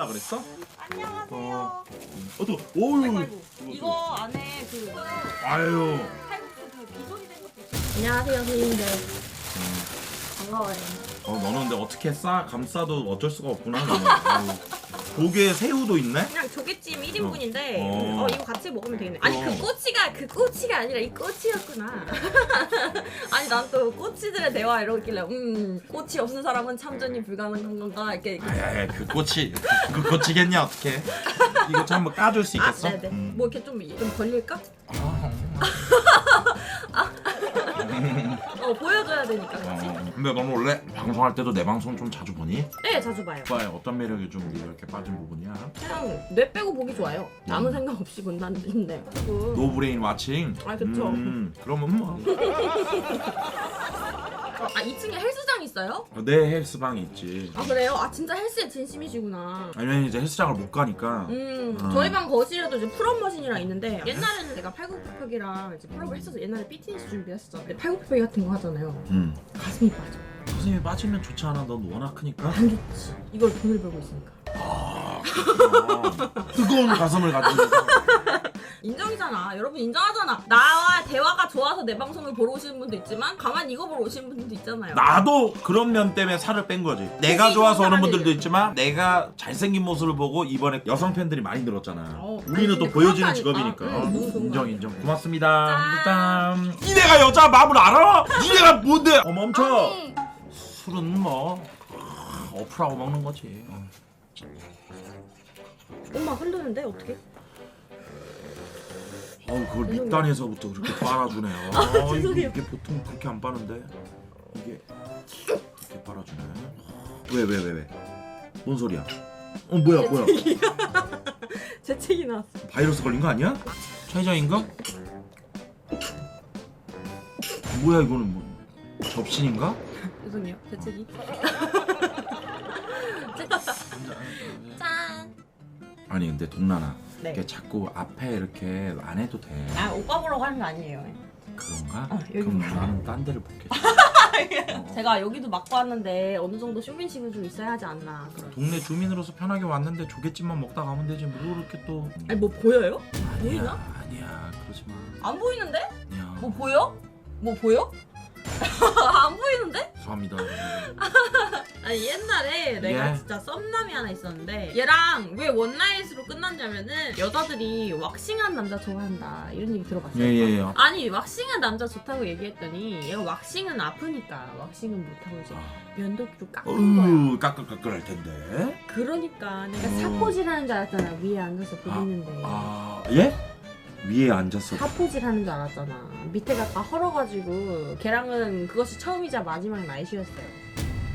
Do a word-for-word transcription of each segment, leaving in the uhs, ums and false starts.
칠라 그랬어? 안녕하세요. 어또 오유. 아이고, 아이고. 이거 안에 그 아유. 칼국수 그 비sol이 된 것도 있어요. 안녕하세요, 선생님들. 반가워요. 어 너는 근데 어떻게 싸 감싸도 어쩔 수가 없구나. 너는. 아유. 조개 새우도 있네? 그냥 조개찜 일 인분인데 어. 어. 어 이거 같이 먹으면 되겠네. 아니 어. 그 꼬치가 그 꼬치가 아니라 이 꼬치였구나. 아니 난 또 꼬치들의 대화 이러길래 음 꼬치 없는 사람은 참전이 불가능한 건가 이렇게. 이렇게. 아야야 그 꼬치 그 꼬치겠냐 어떻게? 이거 좀 한번 까줄 수 아, 있겠어? 네네. 음. 뭐 이렇게 좀, 좀 걸릴까? 어 보여줘야 되니까 그렇지? 어, 근데 너는 원래 방송할 때도 내 방송 좀 자주 보니? 네 자주 봐요. 오빠의 어떤 매력이 좀 네가 이렇게 빠진 부분이야? 그냥 뇌 빼고 보기 좋아요. 아무 음. 생각 없이 본다는데. 그리고 노브레인 와칭? 아, 그쵸. 음, 그러면 뭐. 아 이 층에 헬스장 있어요? 내 헬스방이 있지. 아 그래요? 아 진짜 헬스에 진심이시구나. 아니면 이제 헬스장을 못 가니까. 음, 어. 저희 방 거실에도 이제 풀업 머신이랑 있는데 옛날에는 내가 팔굽혀펴기랑 이제 풀업을 했어서 옛날에 피트니스 준비했었어. 근데 팔굽혀펴기 같은 거 하잖아요. 음. 가슴이 빠져. 선생님이 빠지면 좋지 않아? 넌 워낙 크니까. 안 좋지. 이걸 돈을 벌고 있으니까. 아, 뜨거운 가슴을 가지고. 인정이잖아. 여러분 인정하잖아. 나와 대화가 좋아서 내 방송을 보러 오시는 분도 있지만 가만히 이거 보러 오시는 분들도 있잖아요. 나도 그런 면 때문에 살을 뺀 거지. 내가 혹시 좋아서 오는 이런 분들도 사람들이- 있지만 내가 잘생긴 모습을 보고 이번에 여성 팬들이 많이 늘었잖아. 어, 우리는 아니, 또 근데 보여주는 그런 거 직업이니까. 아니- 응, 너무 좋은 거 인정 아니야. 인정. 고맙습니다. 짠. 짠. 니네가 여자 마음을 알아? 니네가 뭔데? 어 멈춰. 아니. 술은 뭐 아, 어플하고 먹는 거지. 어. 엄마 흔드는데 어떻게? 어우 그걸 죄송해요. 밑단에서부터 그렇게 빨아주네. 아, 죄송해요. 이게, 이게 보통 그렇게 안 빠는데 이게 이렇게 빨아주네. 왜 왜 왜 왜? 뭔 소리야? 어 뭐야 뭐야? 재채기 나왔어. 바이러스 걸린 거 아니야? 최저임금? 뭐야 이거는 뭐 접신인가? 죄송해요. 재채기. 짠. 아니 근데 동란아, 네. 이게 자꾸 앞에 이렇게 안 해도 돼. 아 오빠 보려고 하는 거 아니에요. 그런가? 어, 여기 그럼 봐요. 나는 딴 데를 볼게. 제가 여기도 맡고 왔는데 어느 정도 쇼핑식은 좀 있어야 하지 않나. 그런. 동네 주민으로서 편하게 왔는데 조개찜만 먹다 가면 되지 뭐 이렇게 또. 아니 뭐 보여요? 보이나? 아니야 아니야 그러지 마. 안 보이는데? 아니야. 뭐 보여? 뭐 보여? 안 보이는데? 죄송합니다. 아니 옛날에 내가 예. 진짜 썸남이 하나 있었는데 얘랑 왜 원나잇으로 끝났냐면은 여자들이 왁싱한 남자 좋아한다 이런 얘기 들어봤어요. 예예예. 아니 왁싱한 남자 좋다고 얘기했더니 얘가 왁싱은 아프니까 왁싱은 못하고 이제 면도기로 깎은 거야. 어우 까끌까끌할 텐데. 그러니까 내가 어. 사포질하는 줄 알았잖아. 위에 앉아서 보이는데 아 예? 위에 앉았어. 사포질하는 줄 알았잖아. 밑에가 다 헐어가지고 걔랑은 그것이 처음이자 마지막 나이트였어요.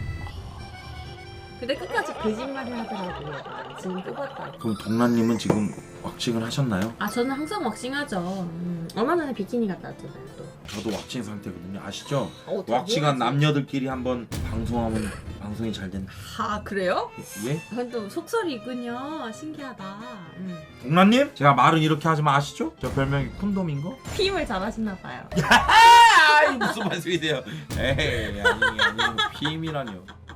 근데 끝까지 거짓말을 하더라고요. 지금 뽑았다. 그럼 동란님은 지금 왁싱을 하셨나요? 아 저는 항상 왁싱하죠. 음, 얼마 전에 비키니 갔다 왔잖아요. 또. 저도 왁싱 상태거든요. 아시죠? 어, 왁싱한 당연하지. 남녀들끼리 한번 방송하면 방송이 잘 된다. 아 그래요? 예? 그건 또 속설이 있군요. 신기하다. 음. 동란님? 제가 말은 이렇게 하지만 아시죠? 저 별명이 콘돔인 거? 피임을 잘하시나 봐요. 아이 무슨 말씀이세요? 에이 아니 아니 피임이라니요.